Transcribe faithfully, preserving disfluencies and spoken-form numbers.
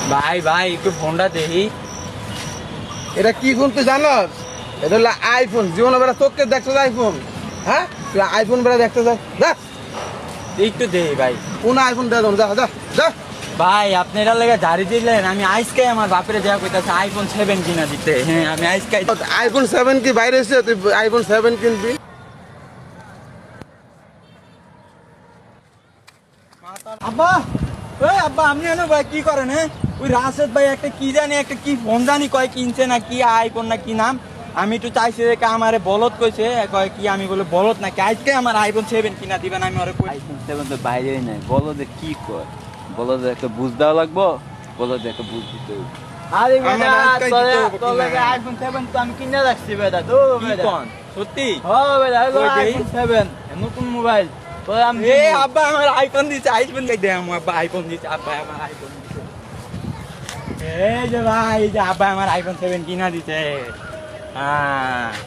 ভাই ভাই একটু ফোনটা দেখি। এটা কি ফোন তুই জানস? এটা হলো আইফোন। জীবনে বেড়া তোকে দেখছো আইফোন? হ্যাঁ, তুই আইফোন বেড়া দেখতে যাস? যা, একটু দেখি ভাই। কোন আইফোন দেখ, যা যা যা। ভাই আপনি এটার লেগে ঝাড়ি দিলেন, আমি আজকে আমার বাপের দেওয়া কইতাছে আইফোন সেভেন কিনা দিতে। হ্যাঁ আমি আজকে আইফোন সেভেন কি বাইরে এসে তুই আইফোন সেভেন কিনবি? আব্বা, ওই আব্বা আপনি এনে ভাই কি করেন? হ্যাঁ ওই রাশেদ ভাই একটা কি জানি একটা কি ফোন জানি কয় কিনছে না কি আইফোন না কি নাম, আমি একটু চাইছি যে আমারে বলদ কইছে কয় কি, আমি বলে বলদ নাকি আজকে আমার আইফোন সেভেন কিনা দিবেন। আমি ওরে কই আইফোন সেভেন তো বাইরেই নাই, বলো যে কি কর, বলো যে একটা বুঝ দেওয়া লাগবো, বলো যে একটা বুঝ দিতে হইব। আরে আমার বেটা আজকেই তোরে দিতে হবে, তোরে কিনা? আইফোন সেভেন তো আমি কিনে রাখছি বেটা। তো কি বেটা কন সত্যি? ও বেটা হলো কই দেই? আইফোন সেভেন নতুন মোবাইল তোর আমি এ আব্বা আমার আইফোন দিছে, আইফোন কে দে আমার আব্বা আইফোন দিছে, আব্বা আমার আইফোন দিছে। এই যে ভাই এই যে আব্বা আমার আইফোন সেভেন কিনা দিছে। হ্যাঁ